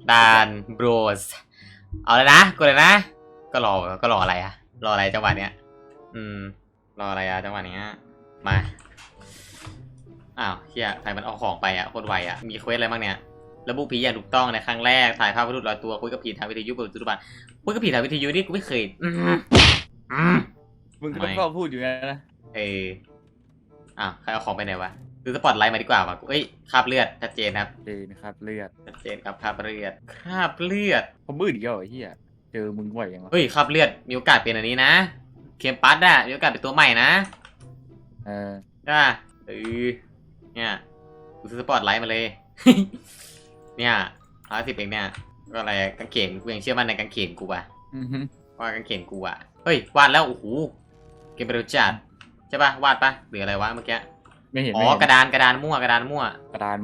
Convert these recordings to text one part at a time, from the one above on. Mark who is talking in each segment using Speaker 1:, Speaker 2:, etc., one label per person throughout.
Speaker 1: ดานบรสเอาเลยนะกดเลยนะก็รออะไรอะรออะไรจังหวะเนี้ยรออะไรอะจังหวะเนี้ยมาอ้าวเฮียใครมันเอาของไปอะโคตรไวอะมีเควสอะไรบ้างเนี่ยระบุผีอย่างถูกต้องในครั้งแรกถ่ายภาพวัตถุลอยตัวคุยกับผีทางวิทยุเปิดประตูบ้านคุยกับผีทางวิทยุนี่กูไม่เคย
Speaker 2: มึงก็ต้องพูดอยู่ไงนะ
Speaker 1: อ้าวใครเอาของไปไหนวะดูสปอตไลท์มาดีกว่าวะเอ้ยคราบเลือดชัดเจนครับ
Speaker 2: นะครับเลือด
Speaker 1: ชัดเจนครับคราบเลือด
Speaker 2: เขาบื้ออีกแล้วไอ้เหี้ยเจอมึงบ่อยยังวะ
Speaker 1: เฮ้ยคราบเลือดมีโอกาสเป็นอันนี้นะเคมปัสอะมีโอกาสเป็นตัวใหม่นะใช่ป่ะเนี่ยกูซื้อสปอตไลท์มาเลย เนี่ย10เองเนี่ยก็อะไรกางเขนกูยังเชื่อมั่นในกางเขนกูป่ะว่ากางเขนกูอ่ะเฮ้ยวาดแล้วโอ้โหเกมเร็วจัดใช่ป่ะวาดป่ะหรืออะไรวะเมื่อกี้
Speaker 2: ไม่เห็น
Speaker 1: กระดานมั่ว
Speaker 2: กระดานมั่ว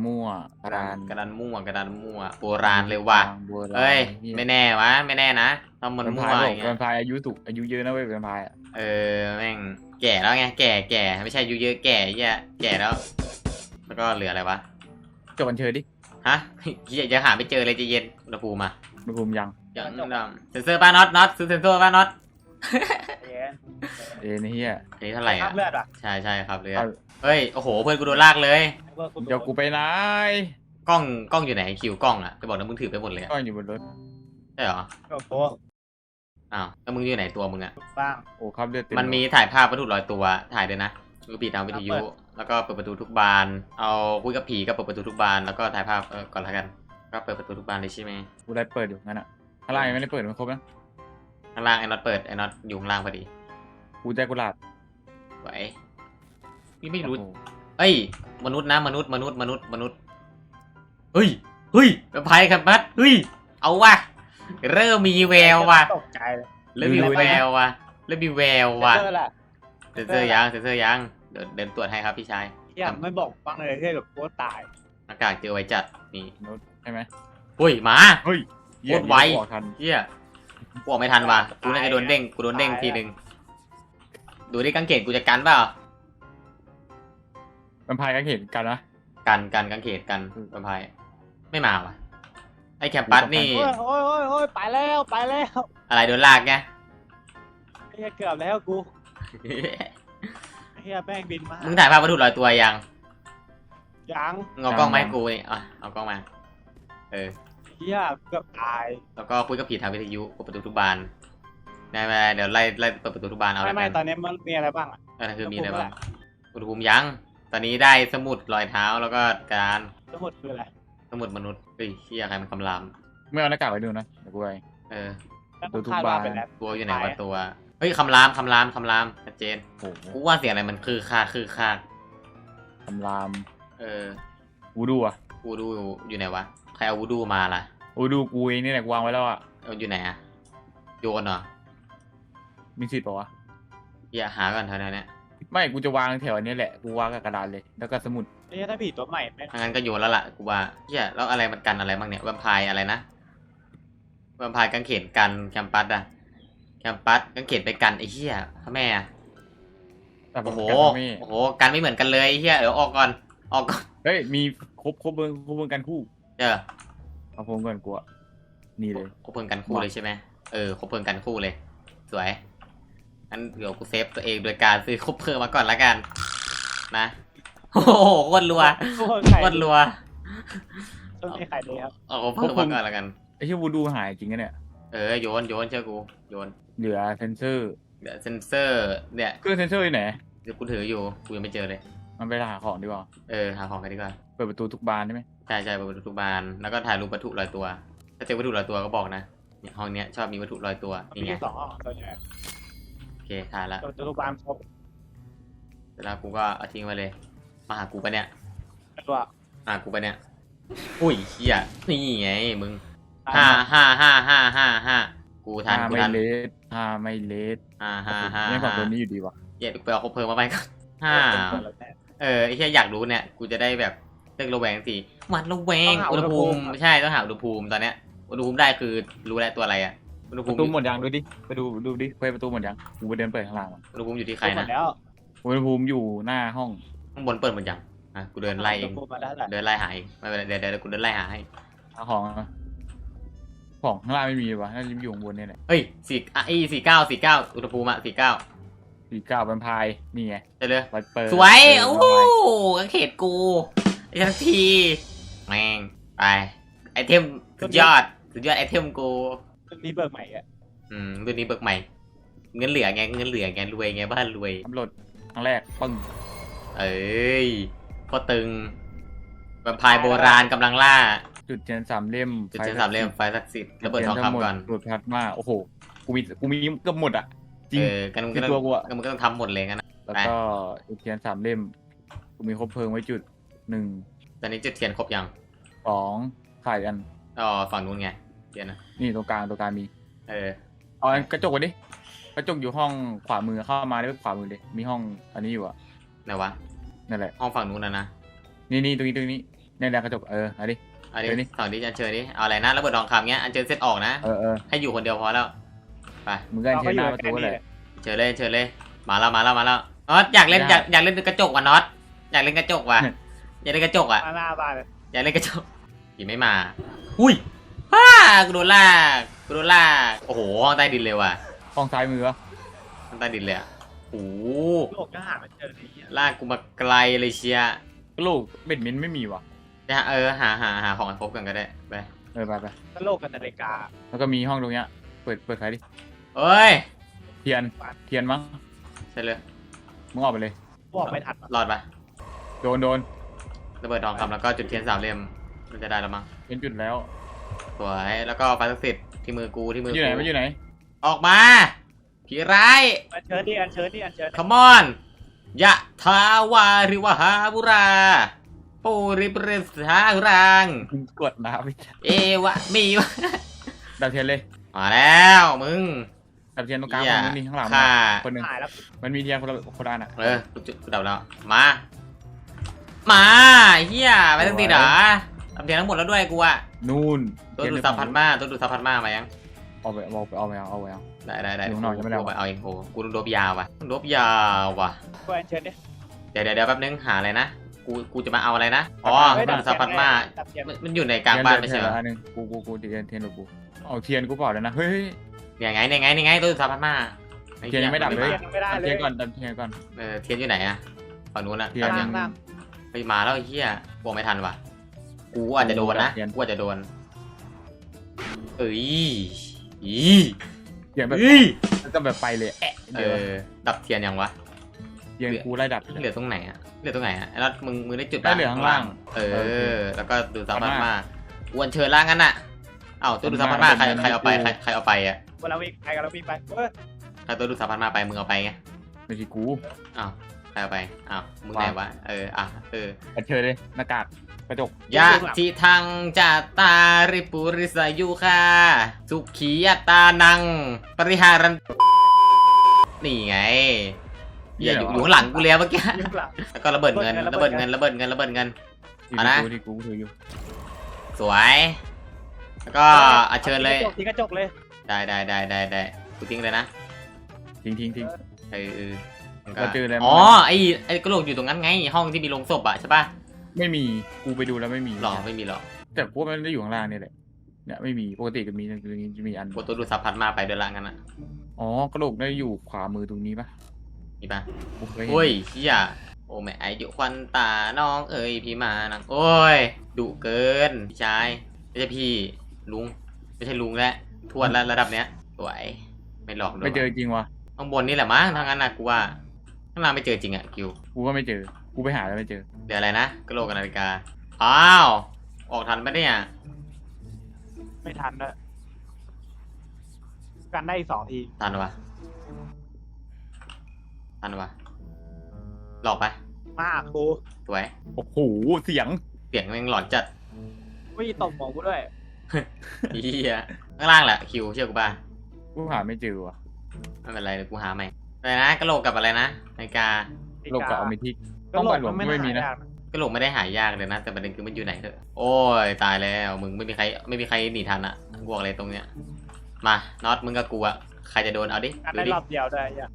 Speaker 1: โบราณเลยว่ะเฮ้ยไม่แน่วะไม่แน่นะทำมันมั่วอย่างเงี้ย
Speaker 2: แวมไพร์อายุเยอะนะเว้ยแวมไพร์
Speaker 1: แม่งแก่แล้วไงแก่ไม่ใช่อายุเยอะแก่เหี้ยแก่แล้วก็เหลืออะไรวะ
Speaker 2: จบบันเชิญดิ
Speaker 1: ฮะยังหาไม่เจอเลยจะเย็นอุณหภูมิ
Speaker 2: อุณหภูมิยัง
Speaker 1: เซนเซอร์ป้าน็อตซื้อเซนเซอร์ป้าน็อต
Speaker 2: นี่เฮีย
Speaker 1: นี่เท่าไหร่อ่ะใช่ครับเลยเฮ้ยโอ้โหเพื่อนกูโดนลากเลย
Speaker 2: เดี๋ยวกูไปไหน
Speaker 1: กล้องอยู่ไหนคิวกล้องอ่ะจะบอกนะมึงถือไปหมดเลย
Speaker 2: กล้องอยู่บนรถ
Speaker 1: ใช่เหรออ้าวแล้วมึงอยู่ไหนตัวมึงอ่ะ
Speaker 2: บ้างโอ้ครับเลือด
Speaker 1: มันมีถ่ายภาพวัตถุลอยตัวถ่ายด้วยนะกูปิดตามวิทยุแล้วก็เปิดประตูทุกบานเอาคุยกับผีก็เปิดประตูทุกบานแล้วก็ถ่ายภาพก่อนละกันก็เปิดประตูทุกบานเลยใช่ไหม
Speaker 2: กูได้เปิดอยู่งั้นอ่ะข้างล่างยังไม่ได้เปิดมันครบนะ
Speaker 1: ข้างล่างไอ้น็อตเปิดไอ้น็อตอยู่ข้างล่างพอดี
Speaker 2: กูใจกุหลาบ
Speaker 1: ไหวพี่ไม่รู้เอ้ยมนุษย์นะมนุษย์เฮ้ยไปพายครับบัสเฮ้ยเอาว่ะเริ่มมีแววว่ะ
Speaker 3: ตกใจเลย
Speaker 1: เริ่มมีแววว่ะเซนเซอร์ยังเดินตรวจให้ครับพี่ชาย
Speaker 3: ไม่บอกฟังเลยที่แบบโคตรตาย
Speaker 1: อากาศเจอไว้จัดนี่
Speaker 2: ใช่ไหม
Speaker 1: เฮ้ยมา
Speaker 2: เฮ้ย
Speaker 1: โคตรไวเฮียกูออกไม่ทันว่ะกูน่าจะโดนเด้งทีนึงดูดิกางเขนกูจะกันเปล่า
Speaker 2: แวมไพร์กางเขนกันนะ
Speaker 1: กันกางเขนกันแวมไพร์ไม่มาว่ะไอ้แคมปัสนี่
Speaker 3: โอ้ยไปแล้ว
Speaker 1: อะไรโดนลากไง
Speaker 3: เกือบแล้วกูแม่งบินมา
Speaker 1: มึงถ่ายภาพวัตถุลอยตัวยังเอากล้องมาให้กูนี่เอากล้องมา
Speaker 3: เกือบตาย
Speaker 1: แล้วก็คุยกับผีทางวิทยุเปิดประตูทุกบานได้ไหมเดี๋ยวไล่เปิดประตูทุกบานเอา
Speaker 3: ไม่ตอนนี้มันมีอะไรบ้าง
Speaker 1: คือมีอะไรบ้างอุณหภูมิยังตอนนี้ได้สมุดรอยเท้าแล้วก็การ
Speaker 3: สมุดคืออะไร
Speaker 1: สมุดมนุษย์เฮ้ยเฮียใครมันคำราม
Speaker 2: ไม่เอาหน้ากากไปดูนะเดี๋ยวกูไป
Speaker 3: ดูทุกบาน
Speaker 1: ตัวอยู่ไหนวะตัวเฮ้ยคำรามชัดเจนกูว่าเสียงอะไรมันคือคา
Speaker 2: คำรามวู
Speaker 1: ดูอยู่ไหนวะใครเอาวูดูมาล่ะ
Speaker 2: วูดูกูเองนี่แหละวางไว้แล้วอ่ะ
Speaker 1: อยู่ไหนอะโยนเหรอ
Speaker 2: มีสิทธิ์ป่าวะ
Speaker 1: อย่าหาก่อนเท่านั้นเนี่ย
Speaker 2: ไม่กูจะวางแถวนี้แหละกูวางกับกระดาษเลยแล้วก็สมุด
Speaker 3: ถ้าผีตัวใหม่
Speaker 1: งั้นก็โยนแล้วล่ะกูว่าแล้วอะไรมันกันอะไรบ้างเนี่ยแวมไพร์อะไรนะแวมไพร์กางเขนกันแคมปัสอะแคมปัสกางเขนไปกันไอ้เหี้ยพ่อแม่โอ้โหกันไม่เหมือนกันเลยไอ้เหี้ยเดี๋ยวออกก่อน
Speaker 2: เฮ้ยมีครบเบิ้งกันคู่เอาพงกันกูนี่เลย
Speaker 1: ครบเบิ้งกันคู่เลยใช่ไหมครบเบิ้งกันคู่เลยสวยงั้นเดี๋ยวกูเซฟตัวเองโดยการซื้อครบเพิ่มมาก่อนละกันนะโอ้โหโคตรรัว
Speaker 3: ต้องให้ใครเลยครับ
Speaker 1: เอาเพิ่มมาก่อนละกัน
Speaker 2: ไอ้ที่วูดูหายจริงนะเนี่ย
Speaker 1: โยนเชื่อกูโยน
Speaker 2: เหลือเซนเซอร์
Speaker 1: เนี่ย
Speaker 2: เครื่องเซนเซอร์อยู่ไหน
Speaker 1: เดี๋ยวกูถืออยู่กูยังไม่เจอเลย
Speaker 2: มันไปหาของดีกว่า
Speaker 1: หาของกันดีกว่า
Speaker 2: เปิดประตูทุกบานใช่ไหม
Speaker 1: ใช่เปิดประตูทุกบานแล้วก็ถ่ายรูปวัตถุลอยตัวถ้าเจอวัตถุลอยตัวก็บอกนะเนี่ยห้องเนี้ยชอบมีวัตถุลอยตัวนี่ไง
Speaker 3: 2 ห้องตัวใหญ่
Speaker 1: โอเคถ่ายแล้ว
Speaker 3: ทุกบานครบ
Speaker 1: เสร็จแล้วกูก็เอาทิ้งไว้เลยมาหากูปะเนี่ยหากูปะเนี่ยอุ้ยเฮียนี่ไงมึง5กูทัน
Speaker 2: ไม่เลส5ไม่ฝั่งตัวนี้อยู่ดีวะ
Speaker 1: ไปเอาครบเพลิงมาไปก่อนไอ้แค่อยากรู้เนี่ยกูจะได้แบบเลิกระแวงสิมันระแวงอุณหภูมิไม่ใช่ต้องหาอุณหภูมิตอนเนี้ยอุณหภูมิได้คือรู้แล้วตัวอะไรอ่ะอุณหภูมิ
Speaker 2: ประตูหมดยังดูดิไปดูดิเปิดประตูหมดยังกูไปเดินเปิดข้างล่าง
Speaker 1: อุณหภูมิอยู่ที่ใครนะ
Speaker 2: อุณหภูมิอยู่หน้าห้อง
Speaker 1: ข้างบนเปิดหมดยังกูเดินไล่เองเดินไล่หาไม่เป็นไรเดี๋ยวกูเดินไล่หาให้
Speaker 2: ของของข้างล่างไม่มีวะน่าจะอยู่ข้างบนเนี่ยแหละ
Speaker 1: เฮ้ย49อุณหภูมิอะ49
Speaker 2: 49แวมไพร์นี่ไง
Speaker 1: ได้เลย
Speaker 2: ไวเปอร์
Speaker 1: สวย
Speaker 2: เอ
Speaker 1: โอ้
Speaker 2: อ
Speaker 1: โหกางเขตกูไอ้ทันทีแม่งไปไอเทมสุดยอดไอเทมกู
Speaker 3: เรื่องนี้เบิกใหม่อะ
Speaker 1: รุ่นนี้เบิกใหม่ เงินเหลือไงรวยไงบ้านรวย
Speaker 2: ทำโหลดครั้งแรกปึ้ง
Speaker 1: เอ้ยก็ตึงแวมไพร์โบราณกำลังล่า
Speaker 2: จุดเทียน3 เล่ม
Speaker 1: จุดเทียน3 เล่มไฟศักดิ์สิทธิ์ระเบิดทองคำก่อน
Speaker 2: หลุดพลาสมาโอ้โหกูมีเกือบหมดอ่ะจริง
Speaker 1: กันมึง
Speaker 2: ที่
Speaker 1: ก็
Speaker 2: ตัวกูอะ
Speaker 1: มึงก็ต้องทำหมดเลยงั้นนะ
Speaker 2: แล้วก็จุดเทียน3 เล่มกูมีครบเพลิงไว้จุด1
Speaker 1: ตอนนี้จุดเทียนครบยัง
Speaker 2: 2ขายกัน
Speaker 1: อ๋อฝั่งนู้นไงเทียนนะ
Speaker 2: นี่ตรงกลางมี
Speaker 1: เออ
Speaker 2: เอาอันกระจกไปดิกระจกอยู่ห้องขวามือเข้ามาได้ขวามือเลยมีห้องอันนี้อยู่อ่ะ
Speaker 1: ไหนวะ
Speaker 2: นั่นแหละ
Speaker 1: ห้องฝั่งนู้นนะ
Speaker 2: นี่ตรงนี้นี่แหละกระจกเอาดิ
Speaker 1: อัน
Speaker 2: เดี๋ยวนี้
Speaker 1: นี้ฝั่งนี้อันเชิญดิเอาอะไรนะระเบิดทองคำเงี้ยอันเชิญเซตออกนะ
Speaker 2: เออ
Speaker 1: ให้อยู่คนเดียวพอแล้วไป
Speaker 2: มึงก็เทียนหน้าประตูเลย
Speaker 1: เชิญเลยมาแล้วน็อตอยากเล่นอยากเล่นกระจกว่ะน็อตอยากเล่นกระจกว่ะอยากเล่นกระจกอ่ะ
Speaker 3: มาหน้าบ้านเลย
Speaker 1: อยากเล่นกระจกผีไม่มาอุ้ยกูโดนลากโอ้โหห้องใต้ดินเลยว่ะ
Speaker 2: ห้องซ้ายมือวะ
Speaker 1: ห้องใต้ดินเลยอ่ะโอ้โห
Speaker 3: โลกก็หาไม่เจอเลยเนี่ย
Speaker 1: ลากกูมาไกลเลยเชีย
Speaker 2: กระโหลกเบ็ดเม้นไม่มีว่ะ
Speaker 1: เนี่ยหาของให้ครบกันก็ได้ไป
Speaker 2: ไป
Speaker 3: ก็โลกกับนาฬิกา
Speaker 2: แล้วก็มีห้องตรงเนี้ยเปิดไฟดิ
Speaker 1: เอ้ย
Speaker 2: เทียนมั้ง
Speaker 1: ใช่เลย
Speaker 2: มึงออกไปเลย
Speaker 3: บอกไม่ทัน
Speaker 1: รอดปะ
Speaker 2: โดน
Speaker 1: ระเบิดทองคำแล้วก็จุดเทียน3 เล่มมันจะได้แล้วมั้ง
Speaker 2: เป็นจุดแล้ว
Speaker 1: สวยแล้วก็ไฟศักดิ์สิทธิ์ที่มือกู
Speaker 2: มันอยู่ไหน
Speaker 1: ออกมาผีร้าย
Speaker 3: อันเชิญดิอันเชิญ
Speaker 1: คอมอนยะทาวาริวหาบุราปูริปริสหารัง
Speaker 2: มึงกดน้ำไป
Speaker 1: เอวะมีวะ
Speaker 2: ดับเทียนเลย
Speaker 1: มาแล้วมึง
Speaker 2: ดับเทียนตรงกลาง
Speaker 1: เหี้ย
Speaker 2: คนนึงนี่ข้างหลัง
Speaker 1: ฆ่า
Speaker 2: คนหนึ่ง
Speaker 3: หายแล้ว
Speaker 2: มันมีเทียนคนละอันอ่ะ
Speaker 1: กูดับแล้วมาเฮียไปตั้งตีเหรอทำเทียนทั้งหมดแล้วด้วยกูอะ
Speaker 2: นู่น
Speaker 1: ตัวดูดซับพัดมามายัง
Speaker 2: เอาไปเอา
Speaker 1: ได้
Speaker 2: อยู่ข้างนอกยังไม่ได้
Speaker 1: กูไปเอาเองโหกูต้องโดบยาวว่ะ
Speaker 3: ก็อันเชิญดิ
Speaker 1: เดี๋ยวแป๊บนึงหาอะไรนะกูจะมาเอาอะไรนะอ๋อ
Speaker 3: เฮ้ย
Speaker 1: ตัวดูดซับพัดมา
Speaker 3: ดับเทียน
Speaker 1: มันอยู่ในกลางบ้านไม่ใช่เหรอ
Speaker 2: อันนึงกูเทียนหรือกูเอาเทียนกูเปล่าเลยนะเฮ้ย
Speaker 1: เนี่ยไงตัวดูดซับพัดมา
Speaker 2: เทียนยังไม่ดับเลย
Speaker 3: ไม่ได้
Speaker 2: ดับ
Speaker 3: เล
Speaker 2: เทีย
Speaker 3: ย
Speaker 2: นก่อนดับเทียนก่อน
Speaker 1: เทียนอยู่ไหนอะฝั่งนู้นอะ
Speaker 2: เทียน
Speaker 1: ดับ
Speaker 3: ล่าง
Speaker 1: ไปมาแล้วไอ้เหี้ยกลัวไม่ทันว่ะกูอาจจะโดนนะกูอาจจะโดนเอ้ยอี
Speaker 2: เทียนแบบ
Speaker 1: เอ้ย
Speaker 2: แล้วก็แบบไปเลยเดี๋ยว
Speaker 1: ดับเทียนยังวะ
Speaker 2: เทียนกูไล่ดับ
Speaker 1: เหลือตรงไหนอะแล้วมึงได้จุด
Speaker 2: ได้เหลือข้างล่าง
Speaker 1: แล้วก็ดูซับพัดมาอวนเชิญล่างงั้นน่ะเอ้าตัวดูซับพัดมาใครเอาไปใครเอาไปอะ
Speaker 3: เวลาวิ่งไปกันเราวิ่งไปเออ
Speaker 1: ใครตัวดูซับพัดมาไปมึงเอาไปไง
Speaker 2: ไม่ใช่กู
Speaker 1: อ้าวใครเอาไปอ้าวมึงไหนวะ
Speaker 2: กระเชิญเลยหน้ากากกระจก
Speaker 1: ยะทิทังจาตาริปุริสายุคาสุขียตานัง ปริหารันนี่ไงอย่าอยู่ข้างหลังกูแล้วเมื่อกี้
Speaker 3: ยุ่งหลัง
Speaker 1: แล้วก็ระเบิดเงินเอานะ
Speaker 2: ที่กูถืออยู่
Speaker 1: สวยแล้วก็อัญเชิญเลย
Speaker 3: ทิ้งกระจกเลย
Speaker 1: ได้กูทิ้งเลยนะ
Speaker 2: ทิ้ง
Speaker 1: มัน
Speaker 2: เราเจออะไรมา
Speaker 1: อ๋อไอ้กระโหลกอยู่ตรงนั้นไงห้องที่มีโลงศพอะใช่ป่ะ
Speaker 2: ไม่มีกูไปดูแล้วไม่มี
Speaker 1: หรอไม่มีหรอ
Speaker 2: แต่พวกมันได้อยู่ข้างล่างนี่แหละเนี่ยไม่มีปกติก็มีจะมีอัน
Speaker 1: กดตัวดูดซับพัดมาไปเดินละงั้นอะ
Speaker 2: อ๋อกระโหลกได้อยู่ขวามือตรงนี้ปะ
Speaker 1: มีป่ะ
Speaker 2: กูเคยเห็น
Speaker 1: โอ้ยเฮียโอ้แม่ไออยู่ควันตาน้องเอ๋ยพี่มานังโอ้ยดุเกินพี่ชายไม่ใช่พี่ลุงไม่ใช่ลุงแล้วทวดแล้วระดับเนี้ยสวยไม่หลอกด้วย
Speaker 2: ไม่เจอจริงวะ
Speaker 1: ข้างบนนี่แหละมั้งทางนั้นนะกูว่าข้างล่างไม่เจอจริงอ่ะคิว
Speaker 2: กูก็ไม่เจอกูไปหาแล้วไม่เจอ
Speaker 1: เดี๋ยวอะไรนะกระโหลกกับนาฬิกาอ้าวออกทันปะเนี่ย
Speaker 3: ไม่ทันด้วยกันได้อีก2 ที
Speaker 1: ทันวะหลอกปะ
Speaker 3: มาครู
Speaker 1: สวย
Speaker 2: โอ้โหเสียง
Speaker 1: เสียงแม่งหลอนจัด
Speaker 3: วิ่งตบหมองกูด้วย
Speaker 1: เฮียข้างล่างแหละคิวเชื่อกูป่ะ
Speaker 2: กูหาไม่เจอวะ
Speaker 1: ไม่เป็นไรเดี๋ยวกูหาใหม่อะไรนะกระโหลกกับอะไรนะนาฬิกา
Speaker 2: โลกกับอเมทิก
Speaker 3: ก็
Speaker 2: ต้อง
Speaker 3: โหล
Speaker 2: ไป
Speaker 3: ด
Speaker 2: หลวง
Speaker 3: มัน
Speaker 2: ไม่มีนะ
Speaker 3: หายาก
Speaker 1: กระโหลกไม่ได้หายากเลยนะแต่ประเด็นคือมันอยู่ไหนเถอะโอ้ยตายแล้วมึงไม่มีใครหนีทันอ่ะกูบอกเลยตรงเนี้ยมาน็อตมึงกับกูอ่ะใครจะโดนเอาดิ
Speaker 3: กัน
Speaker 1: ดู
Speaker 3: ได้
Speaker 1: ดิ
Speaker 3: รอบเดียวได้ยัง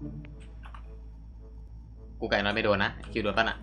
Speaker 1: กูไก่น็อตไม่โดนนะคิวโดนป่ะน่ะ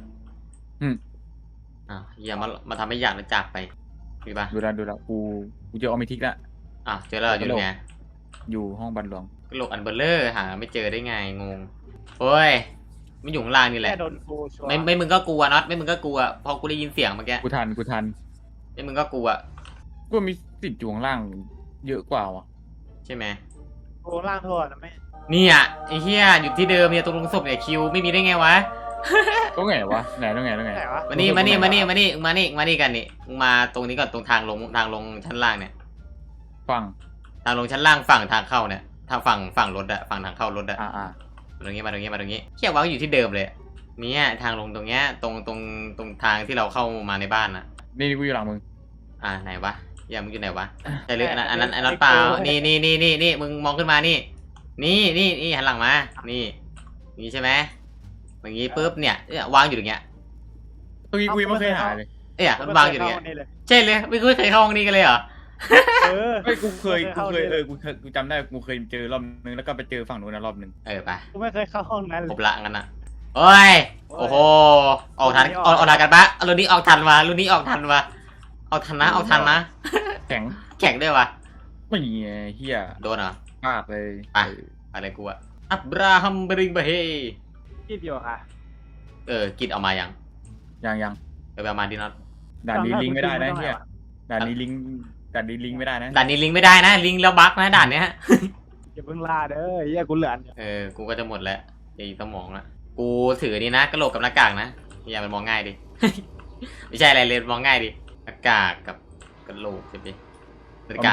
Speaker 1: อย่ามาทำให้อยากแล้วจากไปมีป่ะ
Speaker 2: ดูแล้วกูเจออเมทิกละ
Speaker 1: อ่ะเจอแล้วอยู่ไง
Speaker 2: อยู่ห้องบันหลวง
Speaker 1: กระโหลกอันเบลเลอร์หาไม่เจอได้ไงงงโอ้ยไม่อยู่ข้างล่างนี่แหละ
Speaker 3: แค่โดนกูชัวร์
Speaker 1: ไม่มึงก็กลัวน็อตไม่มึงก็กลัวพอกูได้ยินเสียงเมื่อกี้
Speaker 2: กูทัน
Speaker 1: ไม่มึงก็กลัว
Speaker 2: กูมีสิทธิ์อยู่ข้างล่างเยอะกว่าว่ะ
Speaker 1: ใช่ไหม
Speaker 3: กูล่างโทษนะไม่
Speaker 1: เนี่ยไอ้เหี้ยอยู่ที่เดิมเนี่ยตรงลงศพเนี่ยคิวไม่มีได้ไงวะ
Speaker 2: ตรงไหนวะไหน
Speaker 3: ไหนวะ
Speaker 1: มานี่กันนี่มึงมานี่มึงมาตรงนี้ก่อนตรงทางลงชั้นล่างเนี่ย
Speaker 2: ฟัง
Speaker 1: ทางลงชั้นล่างฝั่งทางเข้าเนี่ยทางฝั่งรถอะฝั่งทางเข้ารถอะ
Speaker 2: อ่า
Speaker 1: มาตรงนี้เขี่ยววางอยู่ที่เดิมเลยเนี่ยทางลงตรงเนี้ยตรงทางที่เราเข้ามาในบ้านอะ
Speaker 2: นี่กูอยู่หลังมึง
Speaker 1: ไหนวะอย่ามึงอยู่ไหนวะใช่หรืออันนั้นเปล่านี่มึงมองขึ้นมานี่หันหลังมานี่ใช่ไหมอย่างงี้ปุ๊บเนี่ยวางอยู่อย่างเงี้ย
Speaker 2: ตรงนี้กูยังไม่เคยหาเลย
Speaker 1: มันวางอยู่อย่างเงี้ยใช่เลยไม่เคยเข้าห้องนี้กันเลยเหรอ
Speaker 2: เฮ้ยกูเคยกูจำได้กูเคยเจอรอบนึงแล้วก็ไปเจอฝั่งนู้นนะรอบนึง
Speaker 1: ไป
Speaker 3: กูไม่เคยเข้าห้องนั้นเล
Speaker 1: คร
Speaker 3: ย
Speaker 1: บละงั้นนะโอ้ยโอ้โหออกทันกันปะรุ่นนี้ออกทันวะรุ่นนี้ออกทันนะออกทันนะ
Speaker 2: แข็ง
Speaker 1: แข่งด้วยวะ
Speaker 2: ไม่เฮีย
Speaker 1: โดนเหรอ
Speaker 2: มากเลย
Speaker 1: อะไรกูอะอับราฮัมบริงบะเฮ
Speaker 3: ที่เดียวค่ะ
Speaker 1: กิดเอามายัง
Speaker 2: ยัง
Speaker 1: ไปเอามาดิน็อต
Speaker 2: ด่านนี้ลิงไม่ได้นะเฮียด่านนี้ลิงไม่ได้นะ
Speaker 1: ด่านนี้ลิงไม่ได้นะลิงแล้วบั๊กนะด่านเนี้ย
Speaker 3: อย่าเพิ่งลาเด้อเฮียกูเหลือ
Speaker 1: กูก็จะหมดแล้วไอ้สมองละกูถือนี่นะกระโหลกกับหน้ากากนะอย่ามันมองง่ายดิ ไม่ใช่อะไรเลยมองง่ายดิหน้ากากกับกระโหลกใช่ไหมนาฬิกา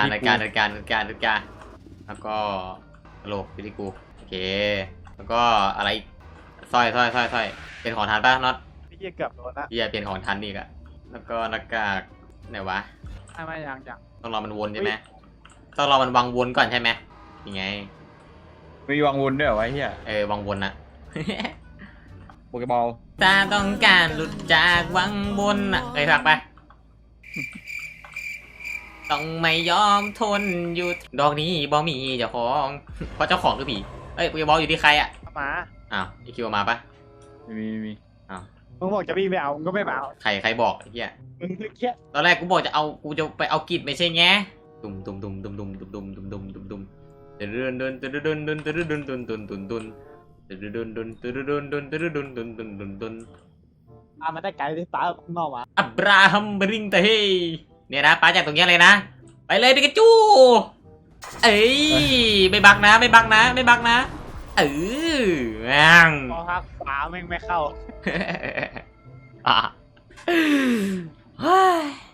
Speaker 1: แล้วก็กระโหลกอยู่ที่กูโอเคแล้วก็อะไรสร้อยเป็นของทันป่ะน็อต
Speaker 3: พี่เฮียเกือบโดนละ
Speaker 1: เฮียเป็นของทันอีกอะแล้วก็หน้ากากไหนวะ
Speaker 3: ไม่ยัง
Speaker 1: ต้องรอมันวนใช่ไหมต้องรอมันวางวนก่อนใช่ไหมยังไง
Speaker 2: มีวางวนด้วยเหรอวะเฮียว
Speaker 1: างวนอะ
Speaker 2: โปเกบอล
Speaker 1: ถ้าต้องการหลุดจากวังบนอ่ะเคยฟังปะ ต้องไม่ยอมทนอยู่ดอกนี้บอมีเจ้าของ เพราะเจ้าของคือผีโปเกบอลอยู่ที่ใครอ่ะ
Speaker 3: มา
Speaker 1: อ้าวอีคิวมาปะ
Speaker 2: มี
Speaker 3: มึงบอกจะวิ่งไปเอามึงก็ไม่มาเอา
Speaker 1: ใครบอกไอ้เหี้ย
Speaker 3: มึงคือเคี้ย
Speaker 1: ตอนแรกกูบอกกูจะไปเอากิจไม่ใช่ไงดุมเดิน
Speaker 3: มาได้ไกลที่ตาข้างนอกมา
Speaker 1: อับราฮัมบริงเตเฮเนี่ยนะป้าจากตรงนี้เลยนะ ไปเลยปิกาจูเอ้ยไม่บักนะแม่ง
Speaker 3: พอฮักขวาแม่งไม่เข้า
Speaker 1: เฮ้ย